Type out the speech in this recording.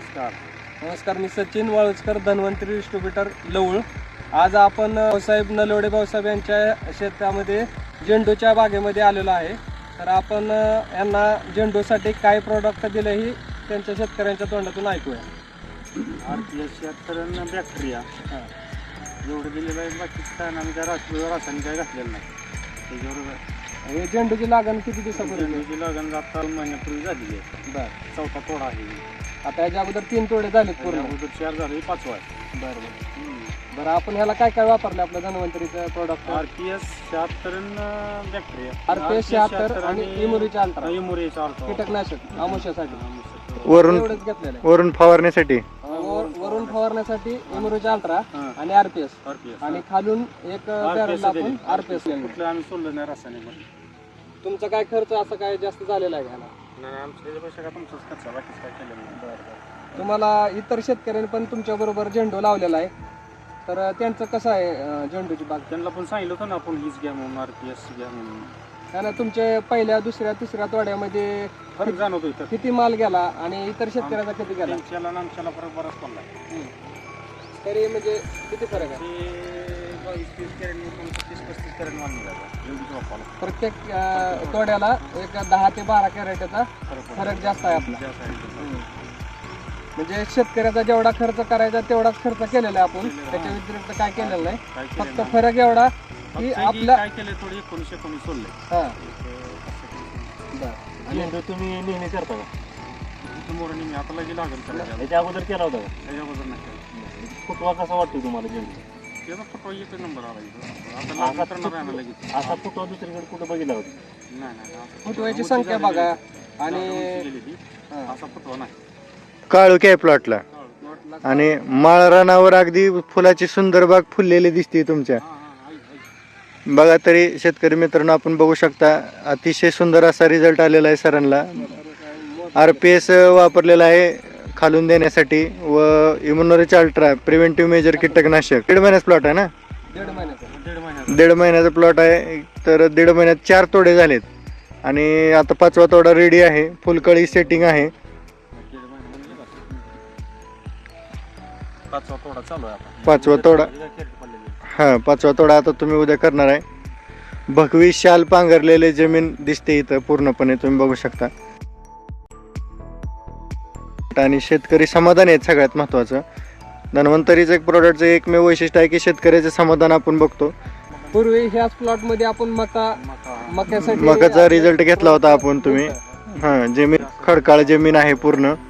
नमस्कार, मी सचिन वाळुजकर, धन्वंतरी डिस्ट्रीब्युटर लवळ. आज आपण भाऊसाहेब नलवडे भाऊसाहेब यांच्या शेतामध्ये झेंडूच्या बागेमध्ये आलेलो आहे. तर आपण यांना झेंडूसाठी काय प्रोडक्ट दिले ही त्यांच्या शेतकऱ्यांच्या तोंडातून ऐकूया. RPS 76 बॅक्टेरिया एवढं दिलेलं आहे. बाकीचं काय आम्ही काय रासायनिक काय घातलेलं नाही. त्याच्यावर हे झेंडूची लागण किती दिवसापूर्वी? झेंडूची लागण आता महिन्यापूर्वी झालेली आहे. बरं, चौथा तोडा आहे. आता याच्या अगोदर 3 तोडे झालेत पूर्ण. अगोदर 4 झाले, 5वा आहे. बरं, आपण ह्याला काय काय वापरलं आपलं धन्वंतरीचं प्रोडक्ट? RPS 76 बॅक्टेरिया, RPS 76 आणि इमुरीचा अल्ट्रा इमुरीचा अल्ट्रा कीटकनाशक आमुष्यासाठी वरून एवढंच घेतलेलं आहे. वरून फवारण्यासाठी वरून फवारण्यासाठी इमुरीचा अल्ट्रा आणि RPS आणि खालून एक बॅरल आपण RPS कुठलं आम्ही सोडलं नाही रासायनिक. तुमचा काय खर्च असं काय जास्त झालेला आहे ह्याला? नाही, आमच्या त्याच्यापेक्षा काय तुमचंच खर्च, बाकीच काय केलं नाही. तुम्हाला इतर शेतकऱ्यांनी पण तुमच्या बरोबर झेंडू लावलेला आहे, तर त्यांचं कसं आहे झेंडूची बाग? त्यांना पण सांगितलं होतं ना आपण हीच घ्या म्हणून, RPS घ्या म्हणून. त्यानं तुमच्या पहिल्या दुसऱ्या तिसऱ्या तोड्यामध्ये फरक जाणवतो इथं. किती माल गेला आणि इतर शेतकऱ्याचा किती गेला? त्यांच्याला आणि आमच्याला फरक बराच पडला. तरी म्हणजे किती फरक आहे? ते 22-30 कॅरेट 30-35 कॅरेट माल निघाला एवढीच वापरला. प्रत्येक तोड्याला एक 10 ते 12 कॅरेटचा फरक जास्त आहे आपला. म्हणजे शेतकऱ्याचा जेवढा खर्च करायचा तेवढाच खर्च केलेला आहे आपण, त्याच्या व्यतिरिक्त काय केलेलं नाही. फक्त फरक एवढा की आपला काय केलं, थोडी 19 सोडले. हां, बरं. झेंडू तुम्ही नेहमी करता का? तिथं मोरणी मी आता लगे लागेल करायला. याच्या अगोदर केला होता का? त्याच्याबद्दल नाही केलं. फुटवा कसा वाटतो तुम्हाला झेंडू? त्याचा फटवा एकच नंबर आला इथं. आता लागलं करणार आहे ना लगेच. असा फुटवा दुसरीकडे कुठं बघितला होता? नाही. फुटव्याची संख्या बघा आणि असा फटवा नाही. काळोखी आहे प्लॉटला आणि माळरानावर अगदी फुलाची सुंदर बाग फुललेली दिसते तुमच्या. बघा, तरी शेतकरी मित्रांनो आपण बघू शकता, अतिशय सुंदर असा रिझल्ट आलेला आहे सरांना. RPS वापरलेला आहे खालून देण्यासाठी व इम्युनोरिच अल्ट्रा प्रिव्हेंटिव्ह मेजर कीटकनाशक. 1.5 महिन्याचा प्लॉट आहे ना? 1.5 महिन्याचा. 1.5 महिन्याचा प्लॉट आहे. तर 1.5 महिन्यात 4 तोडे झालेत आणि आता 5वा तोडा रेडी आहे. फुलकळी सेटिंग आहे. 5वा तोडा चालू आहे आता. 5वा तोडा, हां 5वा तोडा आता तुम्ही उद्या करणार आहे. भगवी शाल पांघरलेले जमीन दिसते इथं पूर्णपणे, तुम्ही बघू शकता. आणि शेतकरी समाधान आहेत सगळ्यात महत्वाचं. धन्वंतरीचं एक प्रोडक्टचं एकमेव वैशिष्ट्य आहे की शेतकऱ्याचे समाधान आपण बघतो. पूर्वी ह्याच प्लॉट मध्ये आपण मक्यासाठी मकाचा रिझल्ट घेतला होता आपण. तुम्ही हां, जमीन खडकाळ जमीन आहे पूर्ण.